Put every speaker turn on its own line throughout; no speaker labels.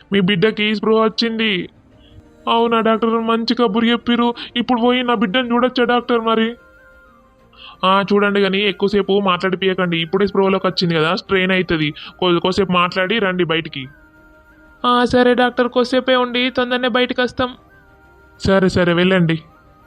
మీ బిడ్డకి స్పృహ వచ్చింది. అవునా డాక్టర్, మంచి కబురు చెప్పిర్రు. ఇప్పుడు పోయి నా బిడ్డను చూడొచ్చా డాక్టర్ మరి? చూడండి కానీ ఎక్కువసేపు మాట్లాడిపియకండి. ఇప్పుడే స్పృహలోకి వచ్చింది కదా, స్ట్రెయిన్ అవుతుంది. కొద్దిసేపు మాట్లాడి రండి బయటికి. సరే డాక్టర్, కొద్దిసేపే ఉండి తొందరనే బయటకు వస్తాం. సరే సరే వెళ్ళండి.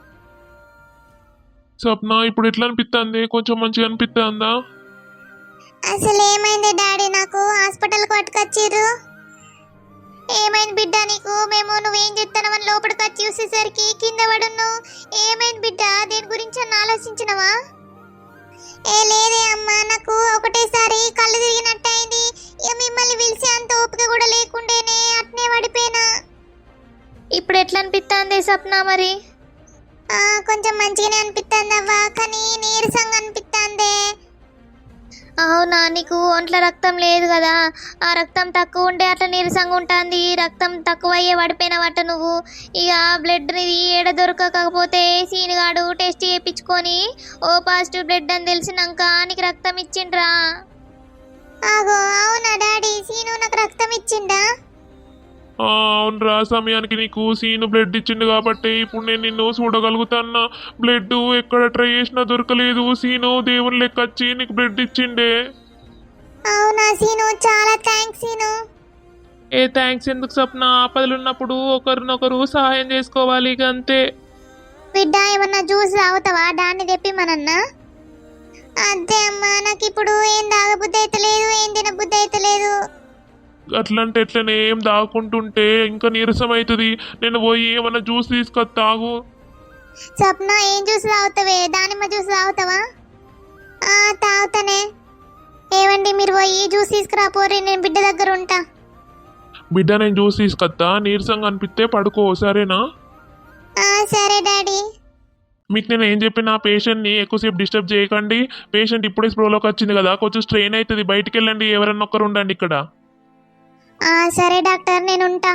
స్వప్న, ఇప్పుడు ఎట్లా అనిపిస్తుంది? కొంచెం మంచిగా అనిపిస్తుందా?
అసలు ఏమైంది డాడీ? నాకు హాస్పిటల్కి పట్టుకొచ్చిర్రు. ఏమైంది బిడ్డ నీకు? మేము నువ్వేం చెప్తానవని లోపలికి వచ్చి చూసేసరికి కింద పడును. ఏమైంది బిడ్డ? దేని గురించి అని ఆలోచించినవా? లేదే అమ్మా, నాకు ఒకటేసారి కళ్ళు తిరిగినట్టయింది. ఇక మిమ్మల్ని పిలిచే అంత ఓపిక కూడా లేకుండేనే అట్నే పడిపోయినా. ఇప్పుడు ఎట్లా అనిపిస్తుంది స్వప్న మరి? కొంచెం మంచిగానే అనిపిస్తుంది అవ్వా, కానీ నీరసంగా అనిపిస్తుంది. అవునా, నీకు ఒంట్లో రక్తం లేదు కదా, ఆ రక్తం తక్కువ ఉంటే అట్లా నీరసంగా ఉంటుంది. రక్తం తక్కువ అయ్యే పడిపోయినవట నువ్వు. ఇక బ్లడ్ ఏడ దొరకకపోతే సీనుగాడు టెస్ట్ చేయించుకొని ఓ పాజిటివ్ బ్లడ్ అని తెలిసినాక నీకు రక్తం ఇచ్చిండ్రా. అవునా డాడీ? సీను నాకు రక్తం ఇచ్చిండా?
అవునరా, సమయానికి నీకు సీను బ్లడ్ ఇచ్చిండు కాబట్టి ఇప్పుడు నేను నిన్ను చూడగలుగుతాన్నా. బ్లడ్ ఎక్కడ ట్రై చేసినా దొరకలేదు. సీను దేవుని లెక్క వచ్చి నీకు బ్లడ్ ఇచ్చిండే.
అవునా సీను, చాలా థ్యాంక్స్ సీను.
థ్యాంక్స్ ఎందుకు స్వప్న? ఆపదలు ఉన్నప్పుడు ఒకరినొకరు సహాయం చేసుకోవాలి, ఇక అంతే.
బిడ్డ, ఏమన్నా జ్యూస్ తాగుతావా? దాన్ని తెప్పిమనన్నా. అంతే అమ్మా, నాకు ఇప్పుడు ఏం తాగబుద్ధి అయితే లేదు, ఏం తినబుద్ధి అయితే లేదు.
అట్లంటే ఎట్లనే ఏం దాక్కుంటుంటే ఇంకా నీరసం అవుతుంది. నేను పోయి ఏమన్నా జ్యూస్ తీసుకొని తాగు.
స్వప్న, ఏం జ్యూస్ తాగుతావే? దానిమ్మ జ్యూస్ తాగుతావా? తాగుతానే. ఏవండి, మీరు పోయి జ్యూస్ తీసుకురా పోరి, నేను బిడ్డ దగ్గర ఉంటా.
బిడ్డ, నేను జ్యూస్ తీసుకొస్తా. నీరసంగా అనిపిస్తే పడుకో, సరేనా?
సరే డాడీ.
మీకు నేను ఏం చెప్పిన, పేషెంట్ని ఎక్కువసేపు డిస్టర్బ్ చేయకండి. పేషెంట్ ఇప్పుడే స్ప్రోలోకి వచ్చింది కదా, కొంచెం స్ట్రెయిన్ అవుతుంది. బయటికి వెళ్ళండి, ఎవరన్నా ఒక్కరు ఉండండి ఇక్కడ.
సరే డాక్టర్, నేను ఉంటా.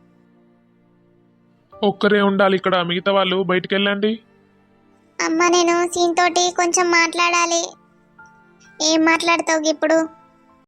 ఒక్కరే ఉండాలి ఇక్కడ, మిగతా వాళ్ళు బయటికి వెళ్ళండి.
అమ్మ, నేను సీన్ తోటి కొంచెం మాట్లాడాలి. ఏం మాట్లాడతావు ఇప్పుడు?